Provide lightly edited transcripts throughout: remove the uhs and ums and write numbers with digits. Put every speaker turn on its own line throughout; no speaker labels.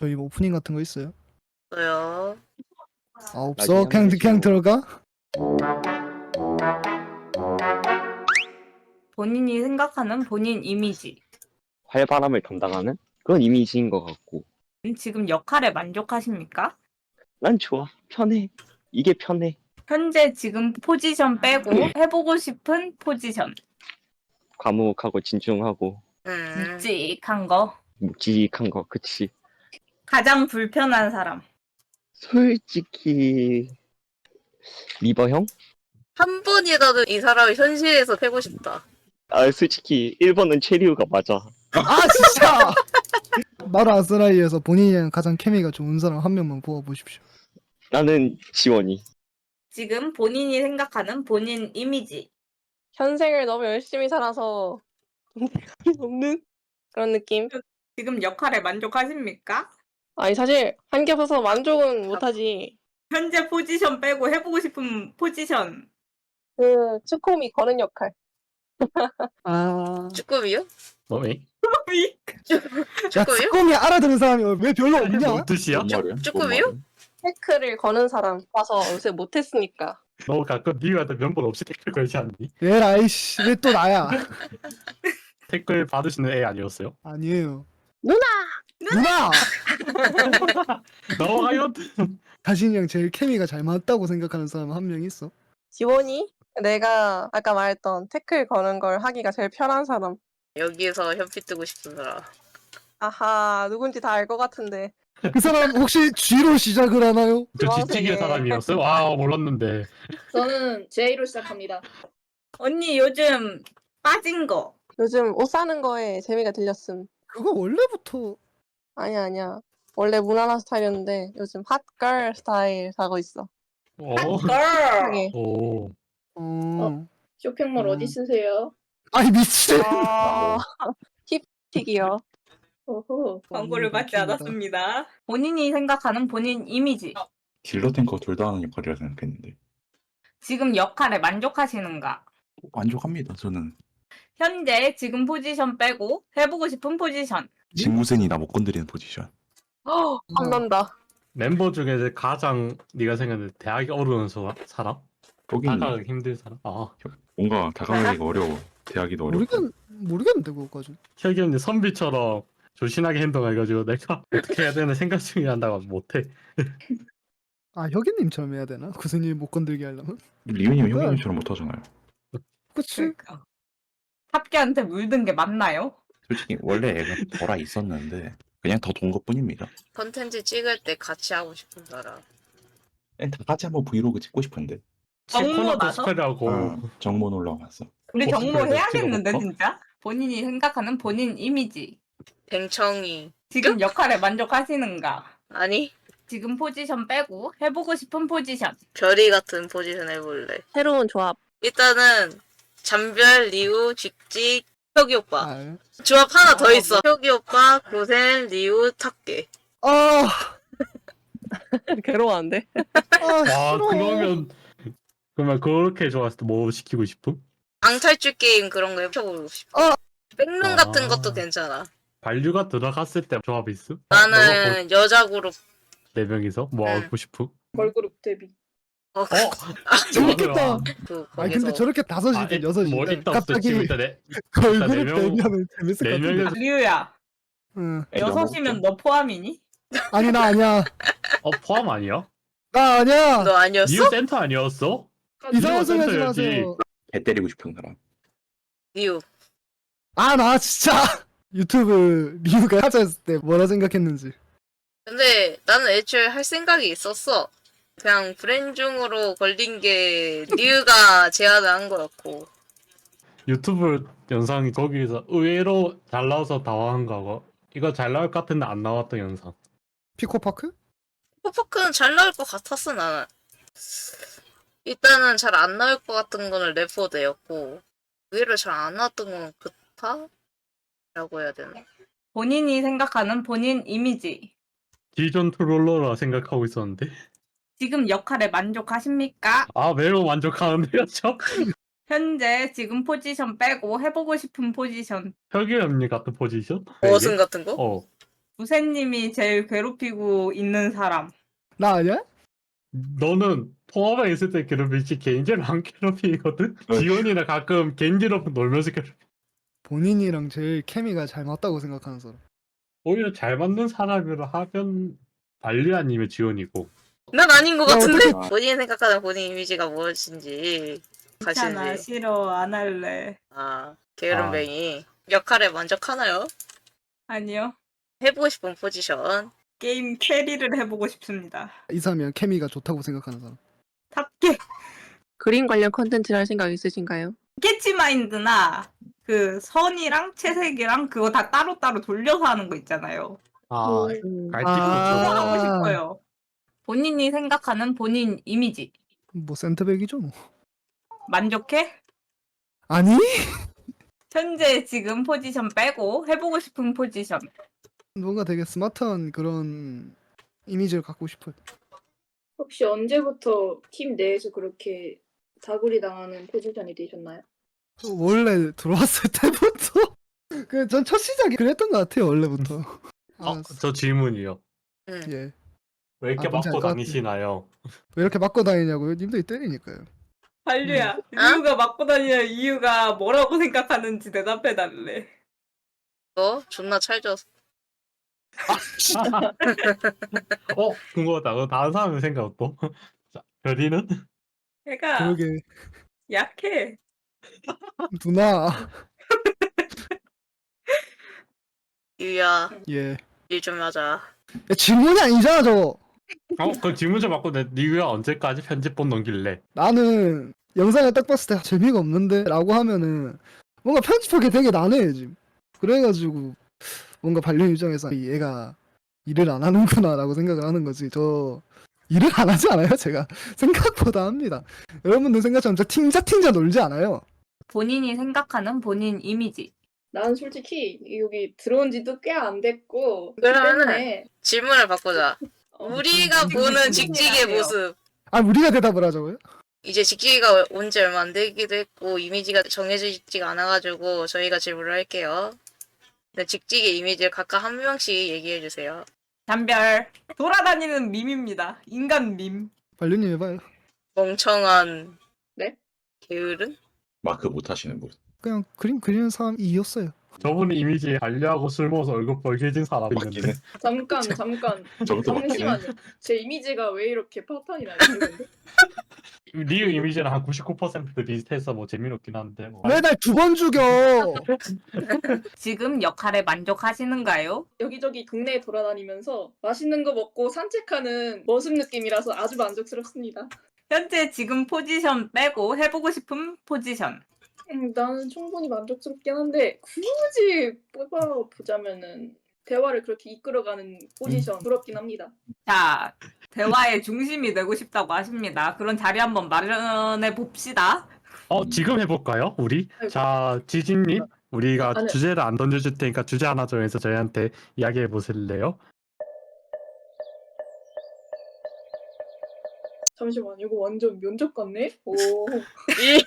저희 뭐 오프닝 같은 거 있어요?
저요.
아 없어? 그냥 들어가?
본인이 생각하는 본인 이미지.
활바람을 담당하는 그런 이미지인 것 같고.
지금 역할에 만족하십니까?
난 좋아. 편해. 이게 편해.
현재 지금 포지션 빼고 해보고 싶은 포지션.
과묵하고 진중하고
묵직한 거.
묵직한 거. 그치.
가장 불편한 사람.
솔직히 리버 형?
한 번이라도 이 사람을 현실에서 패고 싶다.
아 솔직히 1번은 체리우가 맞아.
아 진짜! 나라 아스라이에서 본인이랑 가장 케미가 좋은 사람 한 명만 뽑아보십시오.
나는 지원이.
지금 본인이 생각하는 본인 이미지.
현생을 너무 열심히 살아서 동대감이 없는 그런 느낌?
지금 역할에 만족하십니까?
아니 사실 한 개 없어서 만족은 못하지.
현재 포지션 빼고 해보고 싶은 포지션.
그 츠코미 거는 역할.
아...
쭈꾸미요?
뭐이?
야
쭈꾸미요?
츠코미 알아듣는 사람이 왜 별로 없냐?
뭔 뜻이야?
쭈꾸미요?
태클을 거는 사람 봐서 요새 못했으니까.
너 가끔 니한테 면본 없이 댓글 걸지 않니?
에라이씨 왜 또 나야?
댓글 받으시는 애 아니었어요?
아니에요.
누나!
누나!
너가요?
자신이랑 제일 케미가 잘 맞다고 생각하는 사람 한 명 있어?
지원이 내가 아까 말했던 태클 거는 걸 하기가 제일 편한 사람.
여기에서 현피 뜨고 싶은 사람.
아하 누군지 다 알 것 같은데.
그 사람 혹시 G로 시작을 하나요?
저
주황색에.
지치기의 사람이었어요? 와 몰랐는데.
저는 J로 시작합니다.
언니 요즘 빠진 거.
요즘 옷 사는 거에 재미가 들렸음.
그거 원래부터
아니야. 원래 무난한 스타일이었는데 요즘 핫걸 스타일 사고 있어.
오.
걸.
하게.
오.
쇼핑몰 어디 쓰세요?
아니 미친!
아, 힙틱이요.
오호.
광고를 받지
웃긴다.
않았습니다. 본인이 생각하는 본인 이미지.
딜러 탱커 둘 다 하는 역할이라 생각했는데
지금 역할에 만족하시는가?
만족합니다. 저는
현재 지금 포지션 빼고 해보고 싶은 포지션.
직무센이나 못 건드리는 포지션.
탐난다.
멤버 중에 이제 가장 네가 생각하는 대학이 어려운 사람?
거긴
다가가기 힘든 사람? 아
뭔가 다가가기가 어려워. 대하기도 어려워.
모르겠는데 그거까지.
혁이 언니 선비처럼 조신하게 행동해가지고 내가 어떻게 해야 되나 생각 중에 한다고 못해.
아 혁이님처럼 해야 되나? 구슬님 못 건들게 하려면?
리은이면 형님처럼 못하잖아요.
그치?
그러니까. 합계한테 물든 게 맞나요?
솔직히 원래 애가 덜아 있었는데 그냥 더 돈 것뿐입니다.
컨텐츠 찍을 때 같이 하고 싶은 사람.
그냥 다 같이 한번 브이로그 찍고 싶은데.
정모
코너도
나서?
스펠하고
정문 올라갔어.
우리 정모
코스프레도
해야겠는데
찍어볼까?
진짜? 본인이 생각하는 본인 이미지.
뱅청이.
지금 역할에 만족하시는가?
아니?
지금 포지션 빼고 해보고 싶은 포지션.
별이 같은 포지션 해볼래.
새로운 조합.
일단은 잠별, 리우, 직직, 혁이 오빠.
아,
조합 하나 더 있어. 혁이 오빠, 고센, 리우, 탁계.
아,
괴로워하는데.
아
와
싫어.
그러면 그렇게 좋았을 때 뭐 시키고 싶음?
방탈출 게임 그런 거 해보고 싶어. 백룸 같은 것도 괜찮아.
반류가 들어갔을 때 조합이 있음?
나는 여자 그룹.
네 명이서 뭐
응.
하고 싶음?
걸그룹 데뷔.
어,
재밌겠다.
그
아니
거기서
근데 저렇게 다섯이든 여섯이든
뭐 있다 없어
갑자기
지금 일단 네
걸그룹
네 명-
데뷔하면 재밌을 것
네
같은데.
명에서
리우야,
응.
여섯이면 너 포함이니?
아니 나 아니야.
포함 아니야?
나 아니야.
너 아니었어?
니우 센터 아니었어?
이상한 소리 하지
센터여야지.
마세요.
개 때리고 싶은 사람.
리우.
아 나 진짜 유튜브 리뷰가 하자 했을 때 뭐라 생각했는지.
근데 나는 애초에 할 생각이 있었어. 그냥 브랜중으로 걸린 게 리우가 제안을 한 거였고.
유튜브 영상이 거기서 의외로 잘 나와서 당황한 거고 이거 잘 나올 것 같은데 안 나왔던 영상.
피코파크?
포크는 잘 나올 것 같았어 나는. 일단은 잘 안 나올 것 같은 거는 레포드였고 의외로 잘 안 나왔던 건 그타? 라고 해야 되나?
본인이 생각하는 본인 이미지.
기존 트롤러라 생각하고 있었는데
지금 역할에 만족하십니까?
아 매우 만족하는데요 저?
현재 지금 포지션 빼고 해보고 싶은 포지션.
혁이 언니 같은 포지션?
머슴 같은 거?
어
부세님이 제일 괴롭히고 있는 사람.
나 아니야?
너는 통화방에 있을 때 괴롭히지 개인적으로 안 괴롭히거든? 지원이나 가끔 개인지로 놀면서 괴롭히.
본인이랑 제일 케미가 잘 맞다고 생각하는 사람.
오히려 잘 맞는 사람으로 하면 발리 아니면 지원이고.
난 아닌 것
야,
같은데?
어떡해.
본인이 생각하는 본인 이미지가 무엇인지
괜찮아,
가시지.
싫어, 안 할래.
아, 게으름뱅이. 역할에 만족하나요?
아니요.
해보고 싶은 포지션.
게임 캐리를 해보고 싶습니다.
이사면 케미가 좋다고 생각하는 사람.
탑게
그림 관련 컨텐츠를 할 생각 있으신가요?
캐치마인드나 그 선이랑 채색이랑 그거 다 따로따로 돌려서 하는 거 있잖아요.
아, 갈치
그거
아.
하고 싶어요. 본인이 생각하는 본인 이미지
뭐 센터백이죠 뭐.
만족해?
아니?
현재 지금 포지션 빼고 해보고 싶은 포지션.
뭔가 되게 스마트한 그런 이미지를 갖고 싶어요.
혹시 언제부터 팀 내에서 그렇게 다구리 당하는 포지션이 되셨나요?
원래 들어왔을 때부터 그 전 첫 시작이 그랬던 것 같아요 원래부터. 아,
저 질문이요.
응.
예.
왜 이렇게
뭔지
맞고
알것 같아.
다니시나요?
왜 이렇게 맞고 다니냐고요? 님들이 때리니까요.
한류야. 리우가 맞고 다니는 이유가 뭐라고 생각하는지 대답해달래.
너 존나 찰져서.
궁금하다. 다른 사람의 생각 어떠? 자, 별이는?
걔가
그러게
약해.
누나.
유야,
예.
일 좀 하자.
야, 질문이 아니잖아 저거.
그 질문 좀 받고 니가 언제까지 편집본 넘길래?
나는 영상을 딱 봤을 때 재미가 없는데 라고 하면은 뭔가 편집하게 되게 난해해 지금. 그래가지고 뭔가 반려 입장에서 얘가 일을 안 하는구나 라고 생각을 하는 거지. 저 일을 안 하지 않아요 제가. 생각보다 합니다. 여러분들 생각처럼 저 팅자 놀지 않아요.
본인이 생각하는 본인 이미지.
난 솔직히 여기 들어온 지도 꽤 안 됐고 그렇기
그러면은
때문에
질문을 바꾸자. 우리가 보는
무슨
직직의
일이에요?
모습.
아 우리가 대답을 하자고요?
이제 직직이가 온 지 얼마 안 되기도 했고 이미지가 정해져 있지가 않아가지고 저희가 질문을 할게요. 네, 직직의 이미지를 각각 한 명씩 얘기해 주세요.
담별. 돌아다니는 밈입니다. 인간 밈.
반려님 해봐요.
멍청한
네?
게으른?
마크 못 하시는 분.
그냥 그림 그리는 사람이었어요.
저분 이미지에 관리하고 술 먹어서 얼굴 빨개진 사람
맞긴
있는데.
해.
잠깐
저것도 맞긴 해.
잠시만요. 제 이미지가 왜 이렇게 파탄이 나죠? 근데?
리우 이미지랑 한 99% 비슷해서 뭐 재미없긴 한데. 뭐.
왜 날 두 번 죽여?
지금 역할에 만족하시는가요?
여기저기 동네에 돌아다니면서 맛있는 거 먹고 산책하는 머슴 느낌이라서 아주 만족스럽습니다.
현재 지금 포지션 빼고 해보고 싶은 포지션.
나는 충분히 만족스럽긴 한데 굳이 뽑아보자면은 대화를 그렇게 이끌어가는 포지션 부럽긴 합니다.
자, 대화의 중심이 되고 싶다고 하십니다. 그런 자리 한번 마련해 봅시다.
지금 해볼까요? 우리? 자, 지진님, 우리가
아니.
주제를 안 던져줄 테니까 주제 하나 정해서 저희한테 이야기해 보실래요?
잠시만, 이거 완전 면접 같네? 오.
이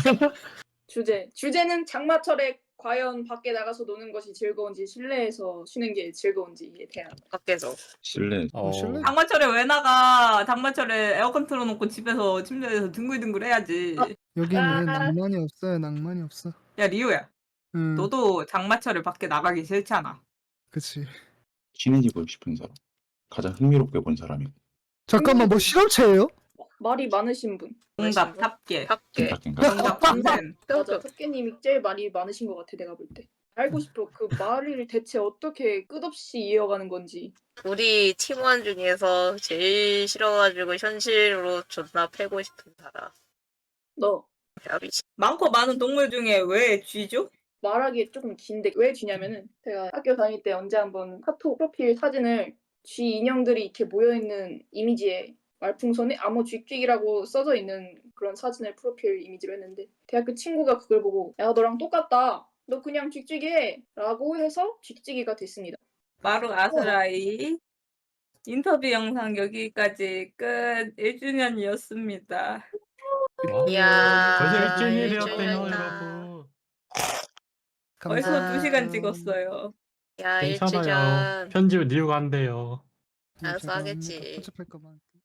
주제는 장마철에 과연 밖에 나가서 노는 것이 즐거운지 실내에서 쉬는 게 즐거운지에 대한.
밖에서.
실내
실내?
장마철에 왜 나가? 장마철에 에어컨 틀어놓고 집에서 침대에서 둥글둥글 해야지.
여기는 낭만이 없어요. 낭만이 없어.
야, 리우야. 너도 장마철에 밖에 나가기 싫잖아.
그치.
쉬는 입고 싶은 사람. 가장 흥미롭게 본 사람이고.
잠깐만 뭐 실험체예요?
말이 많으신 분.
정답 탑계.
밖에.
생각인가?
정답 탐센.
맞아, 탑계님이 제일 말이 많으신 것 같아, 내가 볼 때. 알고 싶어. 그 말을 대체 어떻게 끝없이 이어가는 건지.
우리 팀원 중에서 제일 싫어가지고 현실로 존나 패고 싶은 사람.
너
야비치.
많고 많은 동물 중에 왜 쥐죠?
말하기 조금 긴데 왜 쥐냐면은 제가 학교 다닐 때 언제 한번 카톡 프로필 사진을 쥐 인형들이 이렇게 모여있는 이미지에 말풍선에 암호 쥐쥐기라고 써져 있는 그런 사진을 프로필 이미지로 했는데 대학교 친구가 그걸 보고 야 너랑 똑같다 너 그냥 쥐쥐기 해 라고 해서 쥐쥐기가 됐습니다.
마루 아스라이. 인터뷰 영상 여기까지 끝. 1주년이었습니다.
이야.
벌써 일주일이었대요,
일주일이었다.
여러분.
벌써
감사합니다.
2시간 찍었어요.
야
괜찮아요.
일주전
편집은 니우가 한대요.
알아서
제가 합니다.
하겠지.
편집할 거만.